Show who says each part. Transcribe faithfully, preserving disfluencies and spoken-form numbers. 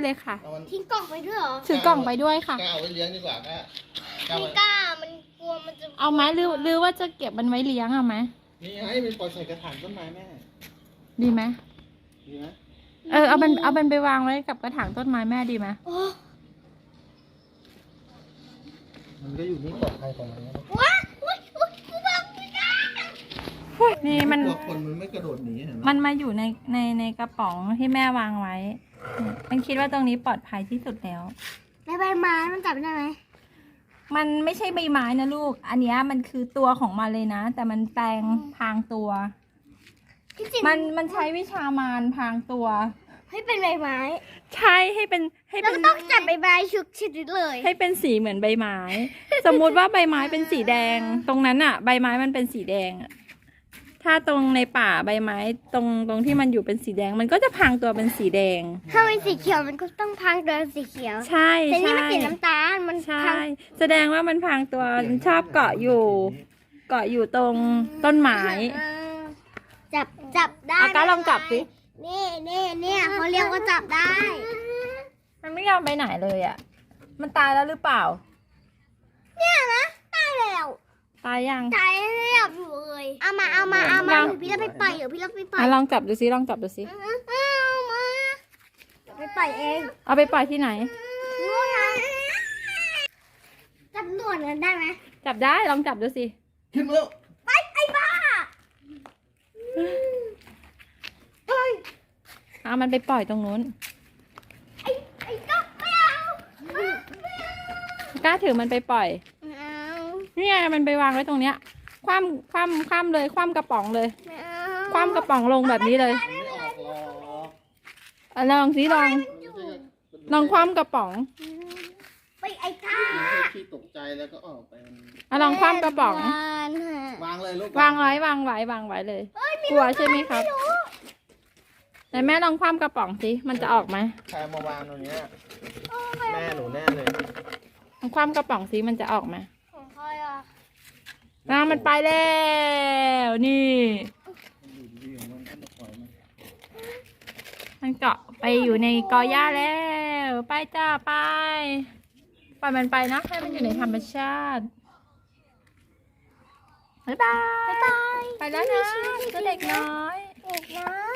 Speaker 1: เลยค่ะ
Speaker 2: ทิ้งกล่องไปด้วยเหรอ
Speaker 1: ถือกล่องไปด้วยค่ะ
Speaker 3: กล้าเอาไว้เลี้ยงดีกว่าก้า
Speaker 2: ไม่กล้ามันกลัวมันจะ
Speaker 1: เอาไหมหรือหรือว่าจะเก็บมันไว้เลี้ยงเอาไหม
Speaker 3: นี่ให้มันปล่อยใส่กระถางต้นไม้แม่
Speaker 1: ดีไหม
Speaker 3: ดีไหม
Speaker 1: เออเอามันเอามันไปวางไว้กับกระถางต้นไม้แม่ดีไหม
Speaker 3: มันก็อยู่นี่ปลอดภัยของมันนะ
Speaker 2: ว้าอุ้ยอุ้ยกูบอกไม่ได้
Speaker 1: นี่มัน
Speaker 3: คนมันไม่กระโดดหนีเห็นไหม
Speaker 1: มันมาอยู่ในในในกระป๋องที่แม่วางไว้มันคิดว่าตรงนี้ปลอดภัยที่สุดแล้ว
Speaker 2: ในใบไม้มันจับได้ไหม
Speaker 1: มันไม่ใช่ใบไม้นะลูกอันนี้มันคือตัวของมันเลยนะแต่มันแปลงพรางตัวมันมันใช้วิชามารพรางตัว
Speaker 2: ให้เป็นใบไม้
Speaker 1: ใช่ให้เป็นให้เป็น
Speaker 2: ต้องจับใบไม้ชุกชิดเลย
Speaker 1: ให้เป็นสีเหมือนใบไม้ สมมุติว่าใบไม้เป็นสีแดง ตรงนั้นอะใบไม้มันเป็นสีแดงถ้าตรงในป่าใบไม้ตรงตรงที่มันอยู่เป็นสีแดงมันก็จะพรางตัวเป็นสีแดง
Speaker 2: ถ้าเป็นสีเขียวมันก็ต้องพรางตัวเป็นสีเขียว
Speaker 1: ใช่
Speaker 2: แต่นี่มันสีน้ำตาลมัน
Speaker 1: ใช่แสดงว่ามันพรางตัวชอบเกาะอยู่ เกาะอยู่ตรงต้นไม้
Speaker 2: จับจับได้
Speaker 1: อาการลองจับสิ
Speaker 2: นี่นี่นี่เขาเรียกว่าจับได้
Speaker 1: มันไม่ยอมไปไหนเลยอ่ะมันตายแล้วหรือเปล่า
Speaker 2: เนี่ยนะตายแล้ว
Speaker 1: ตายยัง
Speaker 2: ตายแล้วอยู่เลยเอามาเอามาเอามาพี่เราไปปล่อยเดี๋ยวพี่เราไปปล่อย
Speaker 1: ลองจับดูสิลองจับดูสิ
Speaker 2: เอามาไปปล่อยเอง
Speaker 1: เอาไปปล่อยที่ไหน
Speaker 2: นู่นนะจับตัวนั้นได้ไหม
Speaker 1: จับได้ลองจับดูสิ
Speaker 3: ขึ้นแล้ว
Speaker 2: ไปไอ้บ้า
Speaker 1: เอามันไปปล่อยตรงนู้น
Speaker 2: ไอ้ไอ้ก็ไม่เอา
Speaker 1: กล้าถือมันไปปล่อยนี่ไงมันไปวางไว้ตรงเนี้ยคว่ำคว่ำคว่ำเลยคว่ำกระป๋องเลยคว่ำกระป๋องลงแบบนี้เลยลองสิลองลองคว่ำกระป๋อง
Speaker 2: ไปไอ้ข้า
Speaker 3: ที่ตกใจแล้วก็ออกไป
Speaker 1: อ่ะลองคว่ำกระป๋อง
Speaker 3: วางเลยลูก
Speaker 1: วางไว้วางไว้วางไว้เลยกลัวใช่ไหมครับไหนแม่ลองคว่ำกระป๋องสิมันจะออกไหม
Speaker 3: ใครมาวางตรงนี้แม่หนูแน่เลย
Speaker 1: ลองคว่ำกระป๋องสิมันจะออกไหม
Speaker 2: ของใครอ่ะ
Speaker 1: น้ำมันไปแล้วนี่มันเกาะไปอยู่ในกอหญ้าแล้วไปจ้าไปปล่อยมันไปนะให้มันอยู่ในธรรมชาติบ๊ายบายไปแล้วนะตัวเด็กน้อย
Speaker 2: เด็กน้อย